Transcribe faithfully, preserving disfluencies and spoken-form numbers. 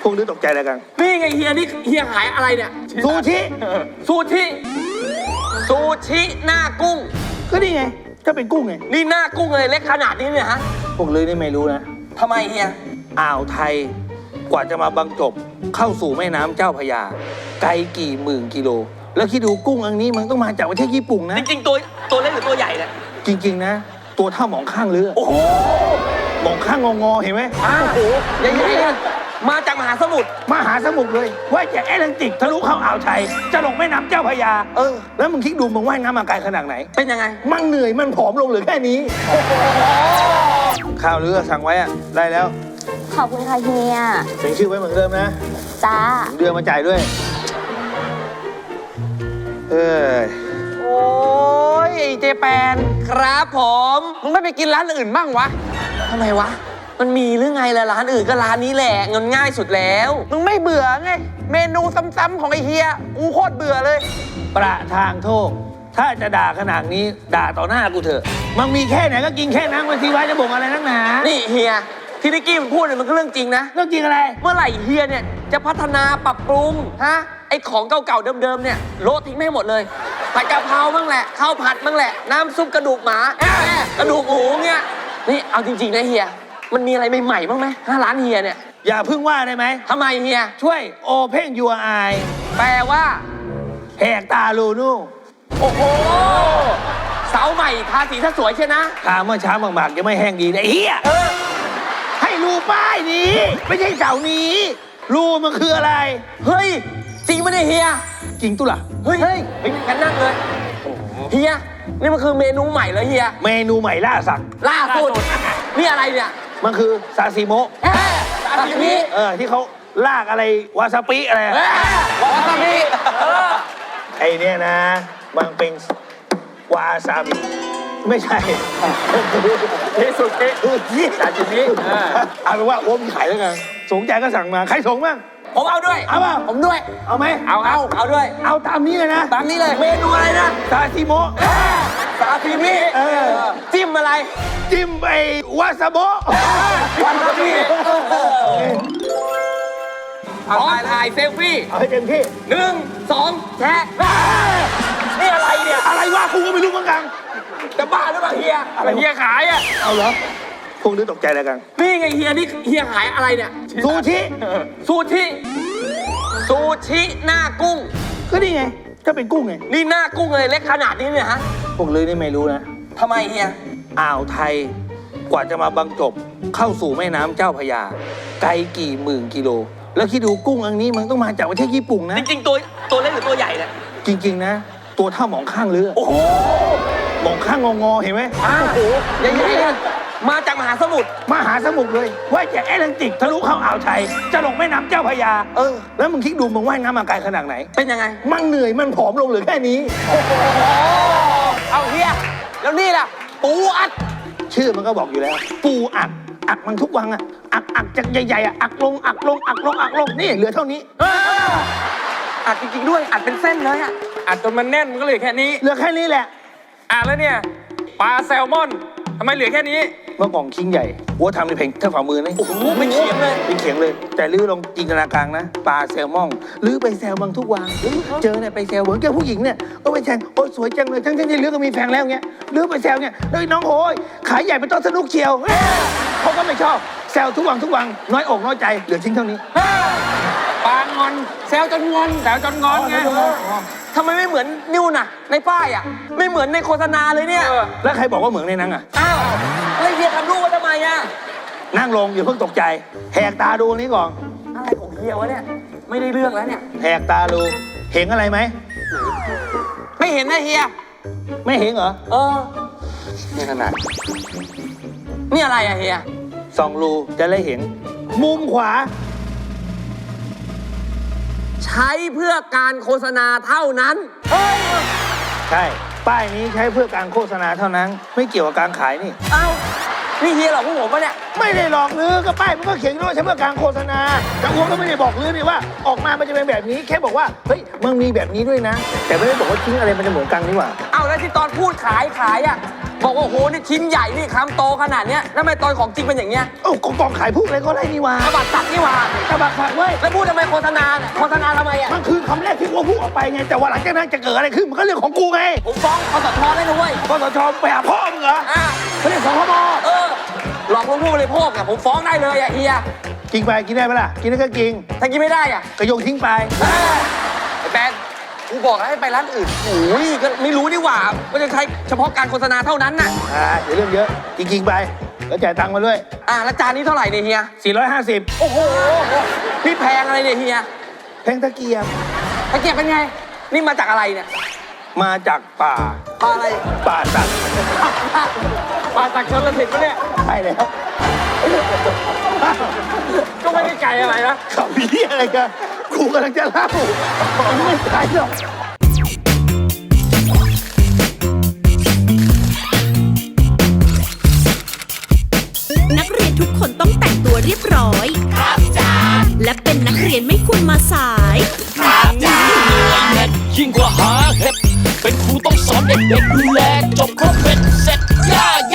พวกนี้ตกใจอะไรกันนี่ไงเฮียนี่เฮียขายอะไรเนี่ยซูชิซูชิซูชิหน้ากุ้งก็นี่ไงก็เป็นกุ้งไงนี่หน้ากุ้งเลยเล็กขนาดนี้เนี่ยฮะพวกเลยนี่ไม่รู้นะทำไมเฮียอ่าวไทยกว่าจะมาบรรจบเข้าสู่แม่น้ำเจ้าพระยาไกลกี่หมื่นกิโลแล้วคิดดูกุ้งอันนี้มันต้องมาจากประเทศญี่ปุ่นนะจริงๆตัวตัวเล็กหรือตัวใหญ่เนี่ยจริงๆนะตัวเท่าหมองข้างเรือโอ้โหหมองข้างงอๆเห็นไหมโอ้โหใหญ่ๆมาจากมหาสมุทรมหาสมุทรเลยว่ายจากแอตแลนติกทะลุเข้าอ่าวไทยจะลงแม่น้ำเจ้าพระยาเออแล้วมึงคิดดูมึงว่ายน้ำมาไกลขนาดไหนเป็นยังไงมันเหนื่อยมันผอมลงเหลือแค่นี้ข้าวเรือสั่งไว้อะได้แล้วขอบคุณค่ะเฮียเขียนชื่อไว้เหมือนเดิมนะจ้าเดือนมาจ่ายด้วยเออโอ้ยเจแปนครับผมมึงไม่ไปกินร้านอื่นบ้างวะทำไมวะมันมีหรือไงล่ะร้านอื่นก็ร้านนี้แหละเงินง่ายสุดแล้วมึงไม่เบื่อไงเมนูซ้ำๆของไอเฮียกูโคตรเบื่อเลยประทางโทษถ้าจะด่าขนาดนี้ด่าต่อหน้ากูเถอะมันมีแค่ไหนก็กินแค่นั้นวันทีไว้จะบ่งอะไรนักหนานี่เฮียที่นิกกี้มันพูดเนี่ยมันก็เรื่องจริงนะเรื่องจริงอะไรเมื่อไหร่เฮียเนี่ยจะพัฒนาปรับปรุงฮะไอของเก่าๆเดิมๆเนี่ยโละทิ้งไม่หมดเลยผัดกะเพราบ้างแหละข้าวผัดบ้างแหละน้ำซุปกระดูกหมากระดูกหมูเนี่ยนี่เอาจริงๆนะเฮียมันมีอะไรใหม่ๆบ้างไหมห้าร้านเฮียเนี่ยอย่าพึ่งว่าได้ไหมทำไมเฮียช่วยโอเพ่งยูไอแปลว่าแหกตาลูนู่โอ้โหเสาใหม่ทาสีถ้าสวยใช่นะทาเมื่อเช้าหมากๆยังไม่แห้งดีเลยเฮียให้รูป้ายนี้ไม่ใช่เสานี้รูมันคืออะไรเฮ้ยจริงไหมเนี่ยเฮียจริงตุล่ะเฮ้ยเฮ้ยงั้นนั่งเลยเฮียนี่มันคือเมนูใหม่เลยเฮียเมนูใหม่ล่าสัตว์ล่าสุดนี่อะไรเนี่ยมันคือซาซิโมะซาซิมิเออที่เขาลากอะไรวาซาปิอะไรวาซาปิไอเนี่ยนะมันเป็นวาซาบิไม่ใช่ที่สุดที่ซาซิมิเอาเป็นว่าโอ้มขายแล้วกันสงใจก็สั่งมาใครส่งบ้างผมเอาด้วยเอาป่ะผมด้วยเอาไหมเอาเอาเอาด้วยเอาตามนี้เลยนะตามนี้เลยเมนูอะไรนะซาซิโมะซาซิมิเออจิ้มอะไรจิ้มไอ้วาซาโบะวาซาบิเอาถ่ายถ่ายเซลฟี่เอาให้เต็มที่หนึ่งสองแชะนี่อะไรเนี่ยอะไรวะกูก็ไม่รู้เหมือนกันจะบ้าหรือเปล่าเฮียอะไรเฮียขายอ่ะเอาเหรอพวกนี้ตกใจอะไรกันนี่ไงเฮียนี่เฮียขายอะไรเนี่ยซูชิซูชิซูชิหน้ากุ้งก็นี่ไงก็เป็นกุ้งไงนี่หน้ากุ้งเลยเล็กขนาดนี้เนี่ยฮะพวกเลยนี่ไม่รู้นะทำไมเฮียอ่าวไทยกว่าจะมาบรรจบเข้าสู่แม่น้ำเจ้าพระยาไกลกี่หมื่นกิโลแล้วคิดดูกุ้งอันนี้มันต้องมาจากประเทศญี่ปุ่นนะจริงๆตัวตัวเล็กหรือตัวใหญ่เนี่ยจริงๆนะตัวเท่าหมองข้างเรือโอ้โหหมองข้างงอๆเห็นไหมโอ้โหใหญ่ๆมาจากมหาสมุทรมหาสมุทรเลยว่ายจากแอตแลนติกทะลุเข้าอ่าวไทยจะลงแม่น้ำเจ้าพระยาเออแล้วมึงคิดดูมึงว่ายน้ำมาไกลขนาดไหนเป็นยังไงมันเหนื่อยมันผอมลงเหลือแค่นี้เอาเฮียแล้วนี่ล่ะปูอัดชื่อมันก็บอกอยู่แล้วปูอัดอักมันทุกวันอะอักอักจากใหญ่ๆอะอักลงอักลงอักลงอักลงนี่เหลือเท่านี้อัดจริงๆด้วยอัดเป็นเส้นเลยอะอัดจนมันแน่นมันก็เหลือแค่นี้เหลือแค่นี้แหละอ่ะแล้วเนี่ยปลาแซลมอนทำไมเหลือแค่นี้เมื่อก่อนชิ้นใหญ่วัวทำในเพลงเท่าฝ่ามือนะโอ้โหไม่เขียงเลยไม่เขียงเลยแต่ลื้อลองจินตนาการนะปลาแซลมอนลื้อไปแซลบางทุกวันเจอเนี่ยไปแซลเหมือนแกผู้หญิงเนี่ยก็ไปแซลโอ้สวยจังเลยทั้งที่ลื้อก็มีแฟนแล้วเงี้ยลื้อไปแซลเนี่ยเลยน้องโอ้ยขายใหญ่เป็นต้นสนุกเชียวเขาก็ไม่ชอบแซลทุกวันทุกวันน้อยอกน้อยใจเหลือชิ้นเท่านี้ปลางอนแซลจนงอนแซลจนงอนไงทำไมไม่เหมือนนิวน่ะในป้ายอ่ะไม่เหมือนในโฆษณาเลยเนี่ยแล้วใครบอกว่าเหมือนในนั้นอ่ะอ้าวแล้วเฮียทำรูปไว้ทำไมอ่ะนั่งลงอย่าเพิ่งตกใจแหกตาดูนี้ก่อนอะไรของเฮียวะเนี่ยไม่ได้เรื่องแล้วเนี่ยแหกตาดูเห็นอะไรไหมไม่เห็นนะเฮียไม่เห็นเหรอเออนี่ขนาดนี่อะไรอะเฮียสองรูจะได้เห็นมุมขวาใช้เพื่อการโฆษณาเท่านั้นใช่ป้ายนี้ใช้เพื่อการโฆษณาเท่านั้นไม่เกี่ยวกับการขายนี่เอ้านี่เฮียหลอกพวกผมปะเนี่ยไม่ได้หลอกลือก็ป้ายมันก็เขียนว่าใช้เพื่อการโฆษณาแต่อ้วงก็ไม่ได้บอกลือนี่ว่าออกมามันจะเป็นแบบนี้แค่บอกว่าเฮ้ยมันมีแบบนี้ด้วยนะแต่ไม่ได้บอกว่าทิ้งอะไรมันจะเหมือนกันนี่หว่าเอ้าแล้วที่ตอนพูดขายขายอ่ะบอกว่าโอ้โหนี่ชิ้นใหญ่นี่คำโตขนาดเนี้ยแล้วทำไมตอนของจริงเป็นอย่างเงี้ยเอ้ากองกองขายพวกอะไรก็ได้นี่หว่าตบัดสัตว์นี่หว่าตะบักผักเว้ยแล้วพูดทำไมโฆษณาเนี่ยโฆษณาทำไมอ่ะมันคือคำแรกที่กูพูดออกไปไงแต่ว่าหลังจากนั้นจะเกิดอะไรขึ้นมันก็เรื่องของกูไงผมฟ้องคสชได้นะเว้ยกสชไปหาพ่อมึงเหรออ่ะเขาเรียกสคบเออหลอกลวงผู้บริโภคอะผมฟ้องได้เลยอะเฮียกินไปกินได้ไหมล่ะกินได้ก็กินถ้ากินไม่ได้อะก็โยนทิ้งไปเอ้ยไอ้แปนกูบอกแล้วให้ไปร้านอื่นโอ้ยก็ไม่รู้ดีกว่าว่าจะใช้เฉพาะการโฆษณาเท่านั้นน่ะอ่าเดี๋ยวเรื่องเยอะกินกินไปแล้วจ่ายตังค์มาด้วยอ่ะแล้วจานนี้เท่าไหร่เนี่ยเฮียสี่ร้อยห้าสิบโอ้โหนี่แพงอะไรเนี่ยเฮียแพงตะเกียบตะเกียบเป็นไง นี่มาจากอะไรเนี่ยมาจากป่าปลาอะไรป่าสัตว์ปลาจากชนละสิบปะเนี่ยใช่แล้วก็ไม่ได้ไกลอะไรนะเขามีเหี้ยอะไรกันกูกำลังจะเล่ามันไม่ใช่หรอกนักเรียนทุกคนต้องแต่งตัวเรียบร้อย ครับจ้าและเป็นนักเรียนไม่ควรมาสายยิ่งกว่าหาเห็ดเป็นครูต้องสอนเด็กๆดูแลจบครบเป็น